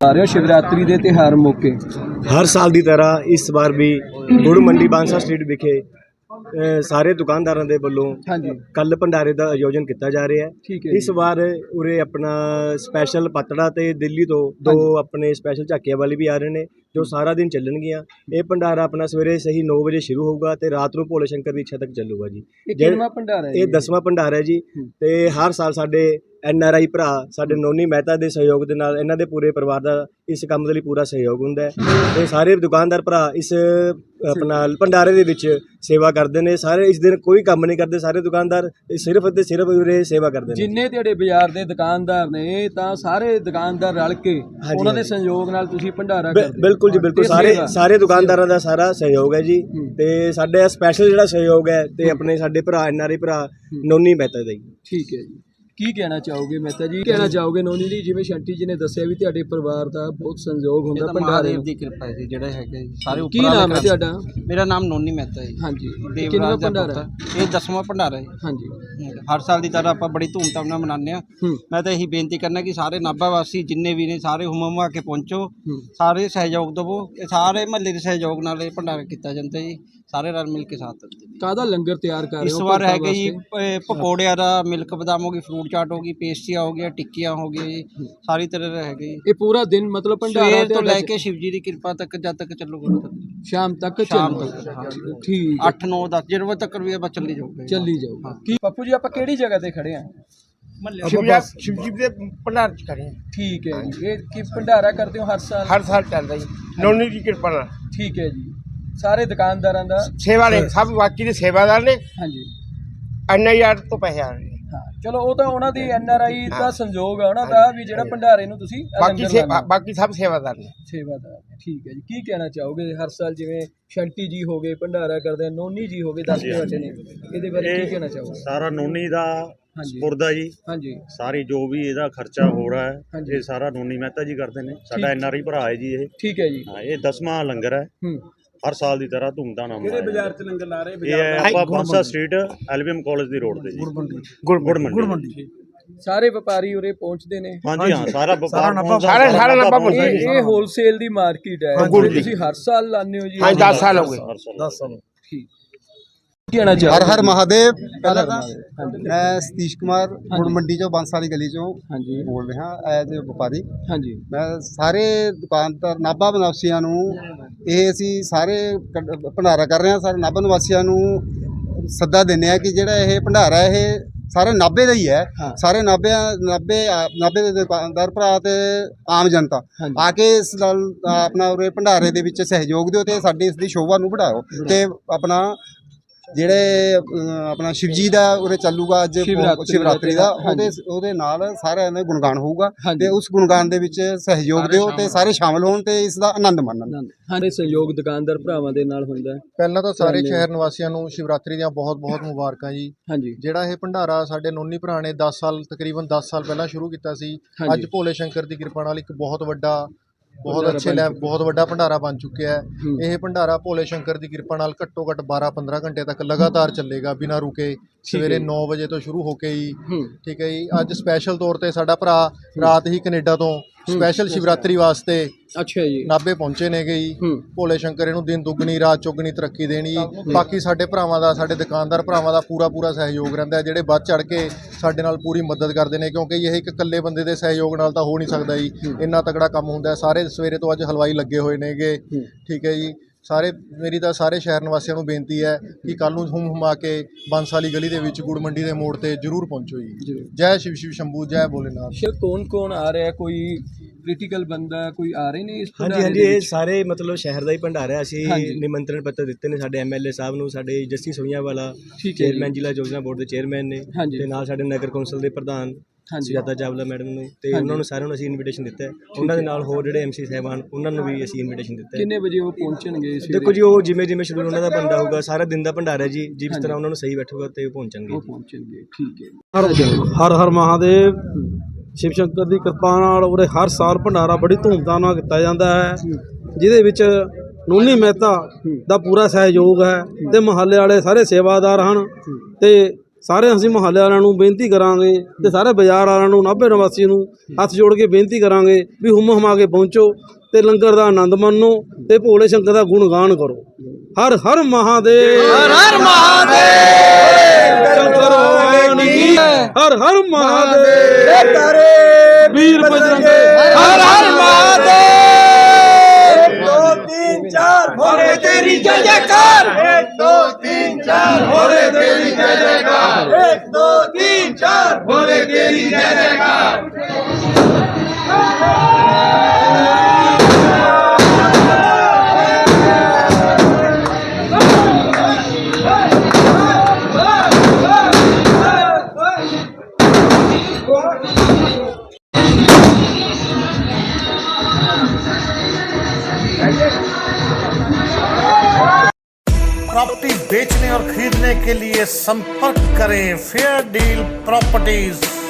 ਆ ਰਹੇ ਹੋ शिवरात्रि ਦੇ ਤਿਉਹਾਰ ਮੌਕੇ। हर साल की तरह इस बार भी गुड़ मंडी बांसा स्ट्रीट विखे ਸਾਰੇ ਦੁਕਾਨਦਾਰਾਂ ਦੇ ਵੱਲੋਂ ਹਾਂਜੀ ਕੱਲ ਭੰਡਾਰੇ ਦਾ ਆਯੋਜਨ ਕੀਤਾ ਜਾ ਰਿਹਾ ਠੀਕ ਹੈ। ਹੈ ਇਸ ਵਾਰ ਉਰੇ ਆਪਣਾ ਸਪੈਸ਼ਲ ਪਤੜਾ ਤੇ ਦਿੱਲੀ ਤੋਂ ਦੋ ਆਪਣੇ ਸਪੈਸ਼ਲ ਝਾਕੀਆਂ ਵਾਲੇ ਵੀ ਆ ਰਹੇ ਨੇ ਜੋ ਸਾਰਾ ਦਿਨ ਚੱਲਣਗੀਆਂ। ਇਹ ਭੰਡਾਰਾ ਆਪਣਾ ਸਵੇਰੇ ਸਹੀ 9 ਵਜੇ ਸ਼ੁਰੂ ਹੋਊਗਾ ਤੇ ਰਾਤ ਨੂੰ ਭੋਲੇ ਸ਼ੰਕਰ ਦੀ ਇੱਛਾ ਤੱਕ ਚੱਲੂਗਾ ਜੀ। ਇਹ ਕਿੰਨਾ ਭੰਡਾਰਾ ਹੈ? ਇਹ 10ਵਾਂ ਭੰਡਾਰਾ ਹੈ ਜੀ ਤੇ ਹਰ ਸਾਲ ਸਾਡੇ NRI ਭਰਾ ਸਾਡੇ ਨੋਨੀ ਮਹਿਤਾ ਦੇ ਸਹਿਯੋਗ ਦੇ ਨਾਲ ਇਹਨਾਂ ਦੇ ਪੂਰੇ ਪਰਿਵਾਰ ਦਾ ਇਸ ਕੰਮ ਦੇ ਲਈ ਪੂਰਾ ਸਹਿਯੋਗ ਹੁੰਦਾ ਹੈ ਤੇ ਸਾਰੇ ਦੁਕਾਨਦਾਰ ਭਰਾ ਇਸ ਆਪਣਾ ਭੰਡਾਰੇ ਦੇ ਵਿੱਚ ਸੇਵਾ ਕਰਦੇ ਨੇ। ਸਾਰੇ ਇਸ ਦਿਨ ਕੋਈ ਕੰਮ ਨਹੀਂ ਕਰਦੇ, ਸਾਰੇ ਦੁਕਾਨਦਾਰ ਸਿਰਫ ਤੇ ਸਿਰਫ ਉਰੇ ਸੇਵਾ ਕਰਦੇ ਨੇ। ਜਿੰਨੇ ਤੁਹਾਡੇ ਬਾਜ਼ਾਰ ਦੇ ਦੁਕਾਨਦਾਰ ਨੇ ਤਾਂ ਸਾਰੇ ਦੁਕਾਨਦਾਰ ਰਲ ਕੇ ਉਹਨਾਂ ਦੇ ਸਹਿਯੋਗ ਨਾਲ ਤੁਸੀਂ ਭੰਡਾਰਾ ਕਰਦੇ ਹੋ। ਬਿਲਕੁਲ ਜੀ ਬਿਲकुल, ਸਾਰੇ ਦੁਕਾਨਦਾਰਾਂ ਦਾ ਸਾਰਾ ਸਹਿਯੋਗ ਹੈ ਜੀ ਤੇ ਸਾਡੇ ਸਪੈਸ਼ਲ ਜਿਹੜਾ ਸਹਿਯੋਗ ਹੈ ਤੇ ਆਪਣੇ ਸਾਡੇ ਭਰਾ NRI ਭਰਾ ਨੋਨੀ ਮਹਿਤਾ ਦਾ ਜੀ। ਠੀਕ ਹੈ ਜੀ, ਕੀ ਕਹਿਣਾ ਚਾਹੋਗੇ ਮਹਿਤਾ ਜੀ? ਕਹਿਣਾ ਚਾਹੋਗੇ ਨੋਨੀ ਜੀ, ਜਿਵੇਂ ਸ਼ੰਟੀ ਜੀ ਨੇ ਦੱਸਿਆ ਵੀ ਤੁਹਾਡੇ ਪਰਿਵਾਰ ਦਾ ਬਹੁਤ ਸੰਯੋਗ ਹੁੰਦਾ ਭੰਡਾਰੇ ਦੀ ਕਿਰਪਾ ਹੈ ਜੀ। ਜਿਹੜੇ ਹੈਗੇ ਸਾਰੇ ਕੀ ਨਾਮ ਹੈ ਤੁਹਾਡਾ? ਮੇਰਾ ਨਾਮ ਨੋਨੀ ਮਹਿਤਾ ਹੈ। ਹਾਂਜੀ, ਕਿੰਨਾ ਭੰਡਾਰਾ? ਇਹ 10ਵਾਂ ਭੰਡਾਰਾ ਹੈ। ਹਾਂਜੀ, ਹਰ ਸਾਲ ਦੀ ਤਰ੍ਹਾਂ ਆਪਾਂ ਬੜੀ ਧੂਮਧਾਮ ਨਾਲ ਮਨਾਉਂਦੇ ਹਾਂ। ਮੈਂ ਤਾਂ ਇਹੀ ਬੇਨਤੀ ਕਰਨਾ ਕਿ ਸਾਰੇ ਨਾਭਾ ਵਾਸੀ ਜਿੰਨੇ ਵੀ ਨੇ ਸਾਰੇ ਹੁਮਾ ਕੇ ਪਹੁੰਚੋ, ਸਾਰੇ ਸਹਿਯੋਗ ਦੇਵੋ। ਇਹ ਸਾਰੇ ਮਹੱਲੇ ਦੇ ਸਹਿਯੋਗ ਨਾਲ ਇਹ ਭੰਡਾਰਾ ਕੀਤਾ ਜਾਂਦਾ ਜੀ। ਸਾਰੇ ਰਲ ਮਿਲ ਕੇ ਸਾਥ ਦਿੰਦੇ ਨੇ। ਕਾਹਦਾ ਲੰਗਰ ਤਿਆਰ ਕਰ ਰਹੇ ਹੋ? ਇਸ ਵਾਰ ਹੈਗੇ ਜੀ ਪਕੌੜਿਆਂ ਦਾ, ਮਿਲਕ ਬਦਾਮ ਹੋ ਗਈ, ਫਰੂਟ ਚਾਟ ਹੋ ਗਈ, ਪੇਸਟਰੀਆਂ ਹੋ ਗਈਆਂ, ਟਿੱਕੀਆਂ ਹੋ ਗਈਆਂ ਜੀ, ਸਾਰੀ ਤਰ੍ਹਾਂ ਦਾ ਹੈਗੇ ਜੀ। ਇਹ ਪੂਰਾ ਦਿਨ ਮਤਲਬ ਭੰਡਾਰਾ ਸਵੇਰ ਤੋਂ ਲੈ ਕੇ ਸ਼ਿਵ ਜੀ ਦੀ ਕਿਰਪਾ ਤੱਕ ਜਦ ਤੱਕ ਚੱਲੂਗਾ ਸ਼ਾਮ ਤੱਕ ਠੀਕ 8 9 10 ਜਿਹੜੇ ਵਜੇ ਤੱਕ ਵੀ ਆਪਾਂ ਚੱਲੀ ਜਾਊਗਾ। ਚੱਲੀ ਜਾਊਗਾ। ਕੀ ਪੱਪੂ ਜੀ, ਆਪਾਂ ਕਿਹੜੀ ਜਗ੍ਹਾ ਤੇ ਖੜੇ ਆ? शिवजी के भंडार च करें। ठीक है जी। ये कि भंडारा करते हो हर साल चलता जी। नौनी की कृपा नाल। ठीक है जी। सारे दुकानदारां दा सेवा ने सब बाकी दे सेवादार ने। हाँ जी। NIR तो पैसे आ रहे हैं। हाँ चलो वो तो उन्हां दी NRI दा संजोग है उन्हां दा भी जेड़ा भंडारे नूं तुसीं बाकी सब सेवादार ने। सेवादार ठीक है जी। की कहना चाहोगे हर साल जिवें शंटी जी हो गए भंडारा करदे, नोनी जी हो गए 10 बच्चे ने, इहदे बारे की कहना चाहोगे? सारा नोनी दा ਸਪੁਰਦਾ ਜੀ। ਹਾਂਜੀ, ਸਾਰੀ ਜੋ ਵੀ ਇਹਦਾ ਖਰਚਾ ਹੋ ਰਿਹਾ ਹੈ ਇਹ ਸਾਰਾ ਨੋਨੀ ਮਹਿਤਾ ਜੀ ਕਰਦੇ ਨੇ। ਸਾਡਾ NRI ਭਰਾ ਹੈ ਜੀ ਇਹ। ਠੀਕ ਹੈ ਜੀ। ਹਾਂ, ਇਹ 10ਵਾਂ ਲੰਗਰ ਹੈ। ਹਰ ਸਾਲ ਦੀ ਤਰ੍ਹਾਂ ਧੂਮਧਾਮ ਨਾਲ ਕਿਹੜੇ ਬਾਜ਼ਾਰ 'ਚ ਲੰਗਰ ਲਾ ਰਹੇ? ਇਹ ਆਪਾਂ ਬਾਂਸਾ ਸਟਰੀਟ LBM ਕਾਲਜ ਦੀ ਰੋਡ ਤੇ ਜੀ। ਗੁੜ ਮੰਡੀ। ਸਾਰੇ ਵਪਾਰੀ ਉਰੇ ਪਹੁੰਚਦੇ ਨੇ? ਹਾਂਜੀ ਹਾਂ, ਸਾਰਾ ਵਪਾਰ ਸਾਰੇ ਲੱਭਾ ਇਹ ਹੋਲਸੇਲ ਦੀ ਮਾਰਕੀਟ ਹੈ। ਤੁਸੀਂ ਹਰ ਸਾਲ ਲਾਉਂਦੇ ਹੋ ਜੀ? हाँ 10 साल हो गए। 10 ਸਾਲ। ਠੀਕ। कहना चाहो? हर हर महादेव। पहला मैं सतीश कुमार गुड़ मंडी चो बांसा वाली गली चो बोल रहा एज ए व्यापारी। हाँ जी। मैं सारे दुकानदार नाभा निवासियों ये असी सारे भंडारा कर रहे हैं। सारे नाभा निवासियों सद्दा देने कि जोड़ा ये भंडारा है सारे नाभे का ही है। सारे नाभे दे दुकानदार भरा ते आम जनता आके इस अपना उरे भंडारे दे विच सहयोग दिओ ते साडी इसदी शोभा नूं बढ़ाओ ते अपना ਜਿਹੜੇ ਆਪਣਾ ਸ਼ਿਵਜੀ ਦਾ ਉਰੇ ਚੱਲੂਗਾ ਅੱਜ ਸ਼ਿਵਰਾਤਰੀ ਦਾ ਉਹਦੇ ਨਾਲ ਸਾਰਿਆਂ ਦੇ ਗੁਣਗਾਨ ਹੋਊਗਾ ਤੇ ਉਸ ਗੁਣਗਾਨ ਦੇ ਵਿੱਚ ਸਹਿਯੋਗ ਦਿਓ ਤੇ ਸਾਰੇ ਸ਼ਾਮਲ ਹੋਣ ਤੇ ਇਸ ਦਾ ਆਨੰਦ ਮਾਣਨ। ਹਾਂ, ਸਹਿਯੋਗ ਦੁਕਾਨਦਾਰ ਭਰਾਵਾਂ ਦੇ ਨਾਲ ਹੁੰਦਾ ਹੈ। ਪਹਿਲਾਂ ਤਾਂ ਸਾਰੇ ਸ਼ਹਿਰ ਨਿਵਾਸੀਆਂ ਨੂੰ ਸ਼ਿਵਰਾਤਰੀ ਦੀਆਂ ਬਹੁਤ-ਬਹੁਤ ਮੁਬਾਰਕਾਂ ਜੀ। ਹਾਂਜੀ। ਜਿਹੜਾ ਇਹ ਭੰਡਾਰਾ ਸਾਡੇ ਨੋਨੀ ਭਰਾ ਨੇ 10 ਸਾਲ ਤਕਰੀਬਨ 10 ਸਾਲ ਪਹਿਲਾਂ ਸ਼ੁਰੂ ਕੀਤਾ ਸੀ। ਅੱਜ ਭੋਲੇ ਸ਼ੰਕਰ ਦੀ ਕਿਰਪਾ ਨਾਲ ਇੱਕ ਬਹੁਤ ਵੱਡਾ ਭੰਡਾਰਾ ਬਣ ਚੁੱਕਿਆ ਹੈ। ਇਹ ਭੰਡਾਰਾ ਭੋਲੇ ਸ਼ੰਕਰ ਦੀ ਕਿਰਪਾ ਨਾਲ ਘੱਟੋ ਘੱਟ 12-15 ਘੰਟੇ ਤੱਕ ਲਗਾਤਾਰ ਚੱਲੇਗਾ ਬਿਨਾਂ ਰੁਕੇ। ਸਵੇਰੇ 9 ਵਜੇ ਤੋਂ ਸ਼ੁਰੂ ਹੋ ਕੇ ਹੀ ਠੀਕ ਹੈ ਜੀ। ਅੱਜ ਸਪੈਸ਼ਲ ਤੌਰ ਤੇ ਸਾਡਾ ਭਰਾ ਰਾਤ ਹੀ ਕੈਨੇਡਾ ਤੋਂ ਸਪੈਸ਼ਲ ਸ਼ਿਵਰਾਤਰੀ ਵਾਸਤੇ ਅੱਛਾ ਜੀ ਨਾਭੇ ਪਹੁੰਚੇ ਨੇ ਗਈ। ਭੋਲੇ ਸ਼ੰਕਰ ਇਹਨੂੰ ਦਿਨ ਦੁੱਗਣੀ ਰਾਤ ਚੌਗਣੀ ਤਰੱਕੀ ਦੇਣੀ। ਬਾਕੀ ਸਾਡੇ ਭਰਾਵਾਂ ਦਾ, ਸਾਡੇ ਦੁਕਾਨਦਾਰ ਭਰਾਵਾਂ ਦਾ ਪੂਰਾ ਸਹਿਯੋਗ ਰਹਿੰਦਾ ਹੈ, ਜਿਹੜੇ ਵੱਧ ਚੜ ਕੇ ਸਾਡੇ ਨਾਲ ਪੂਰੀ ਮਦਦ ਕਰਦੇ ਨੇ ਕਿਉਂਕਿ ਇਹ ਇੱਕ ਇਕੱਲੇ ਬੰਦੇ ਦੇ ਸਹਿਯੋਗ ਨਾਲ ਤਾਂ ਹੋ ਨਹੀਂ ਸਕਦਾ ਜੀ। ਇੰਨਾ ਤਗੜਾ ਕੰਮ ਹੁੰਦਾ। ਸਾਰੇ ਸਵੇਰੇ ਤੋਂ ਅੱਜ ਹਲਵਾਈ ਲੱਗੇ ਹੋਏ ਨੇਗੇ ਠੀਕ ਹੈ ਜੀ। ਮੇਰੀ ਤਾਂ ਸਾਰੇ ਸ਼ਹਿਰ ਨਿਵਾਸੀਆਂ ਨੂੰ ਬੇਨਤੀ ਹੈ ਕਿ ਕੱਲ੍ਹ ਨੂੰ ਹੁਮਾ ਕੇ ਬਾਂਸਾ ਵਾਲੀ ਗਲੀ ਦੇ ਵਿੱਚ ਗੁੜ ਮੰਡੀ ਦੇ ਮੋੜ ਤੇ ਜ਼ਰੂਰ ਪਹੁੰਚੋ ਜੀ। ਜੈ ਸ਼ਿਵ ਸ਼ੰਭੂ, ਜੈ ਭੋਲੇਨਾਥ। ਕੌਣ ਆ ਰਿਹਾ? ਕੋਈ ਪੋਲੀਟੀਕਲ ਬੰਦਾ ਕੋਈ ਆ ਰਹੇ ਨੇ ਇਸ ਹਾਂਜੀ ਇਹ ਸਾਰੇ ਮਤਲਬ ਸ਼ਹਿਰ ਦਾ ਹੀ ਭੰਡਾਰਾ। ਅਸੀਂ ਨਿਮੰਤਰਣ ਪੱਤਰ ਦਿੱਤੇ ਨੇ ਸਾਡੇ MLA ਸਾਹਿਬ ਨੂੰ, ਸਾਡੇ ਜੱਸੀ ਸੋਈਆਂ ਵਾਲਾ ਚੇਅਰਮੈਨ ਜ਼ਿਲ੍ਹਾ ਯੋਜਨਾ ਬੋਰਡ ਦੇ ਚੇਅਰਮੈਨ ਨੇ ਤੇ ਨਾਲ ਸਾਡੇ ਨਗਰ ਕੌਂਸਲ ਦੇ ਪ੍ਰਧਾਨ ਸੁਜਾਤਾ ਚਾਵਲਾ ਮੈਡਮ ਨੂੰ ਤੇ ਉਹਨਾਂ ਨੂੰ ਸਾਰਿਆਂ ਨੂੰ ਅਸੀਂ ਇਨਵੀਟੇਸ਼ਨ ਦਿੱਤਾ ਹੈ। ਉਹਨਾਂ ਦੇ ਨਾਲ ਹੋਰ ਜਿਹੜੇ MC ਸਾਹਿਬਾਨ ਉਹਨਾਂ ਨੂੰ ਵੀ ਅਸੀਂ ਇਨਵੀਟੇਸ਼ਨ ਦਿੱਤਾ ਹੈ। ਕਿੰਨੇ ਵਜੇ ਉਹ ਪਹੁੰਚਣਗੇ? ਦੇਖੋ ਜੀ ਉਹ ਜਿਵੇਂ ਸ਼ਡਿਊਲ ਉਹਨਾਂ ਦਾ ਬਣਦਾ ਹੋਊਗਾ, ਸਾਰਾ ਦਿਨ ਦਾ ਭੰਡਾਰਾ ਜੀ, ਜਿਸ ਤਰ੍ਹਾਂ ਉਹਨਾਂ ਨੂੰ ਸਹੀ ਬੈਠੂਗਾ ਤੇ ਉਹ ਪਹੁੰਚਣਗੇ। ਠੀਕ ਹੈ। ਹਰ ਹਰ ਮਹਾਦੇਵ। ਸ਼ਿਵ ਸ਼ੰਕਰ ਦੀ ਕਿਰਪਾ ਨਾਲ ਉਰੇ ਹਰ ਸਾਲ ਭੰਡਾਰਾ ਬੜੀ ਧੂਮਧਾਮ ਨਾਲ ਕੀਤਾ ਜਾਂਦਾ ਹੈ, ਜਿਹਦੇ ਵਿੱਚ ਨੋਨੀ ਮਹਿਤਾ ਦਾ ਪੂਰਾ ਸਹਿਯੋਗ ਹੈ ਤੇ ਮੁਹੱਲੇ ਵਾਲੇ ਸਾਰੇ ਸੇਵਾਦਾਰ ਹਨ ਤੇ ਸਾਰੇ ਅਸੀਂ ਮੁਹੱਲੇ ਵਾਲਿਆਂ ਨੂੰ ਬੇਨਤੀ ਕਰਾਂਗੇ ਤੇ ਸਾਰੇ ਬਾਜ਼ਾਰ ਵਾਲਿਆਂ ਨੂੰ, ਨਾਭੇ ਨਿਵਾਸੀ ਨੂੰ ਹੱਥ ਜੋੜ ਕੇ ਬੇਨਤੀ ਕਰਾਂਗੇ ਵੀ ਹੁਮ ਹੁਮਾ ਕੇ ਪਹੁੰਚੋ ਤੇ ਲੰਗਰ ਦਾ ਆਨੰਦ ਮਾਣੋ ਤੇ ਭੋਲੇ ਸ਼ੰਕਰ ਦਾ ਗੁਣਗਾਨ ਕਰੋ। ਹਰ ਹਰ ਮਹਾਦੇਵ, ਹਰ ਹਰ ਮਹਾਦੇਵ, ਸ਼ੰਕਰ ਭਗਵਾਨ ਕੀ ਹਰ ਹਰ ਮਹਾਦੇਵ, ਵੀਰ ਬਜਰੰਗ ਹਰ ਹਰ ਮਹਾਦੇਵ। 1 2 3 4 भोले तेरी जय जयकार, 1 2 3 4 भोले तेरी जय जयकार, 1 2 3 4 भोले तेरी जय जयकार। प्रॉपर्टी बेचने और खरीदने के लिए संपर्क करें फेयर डील प्रॉपर्टीज।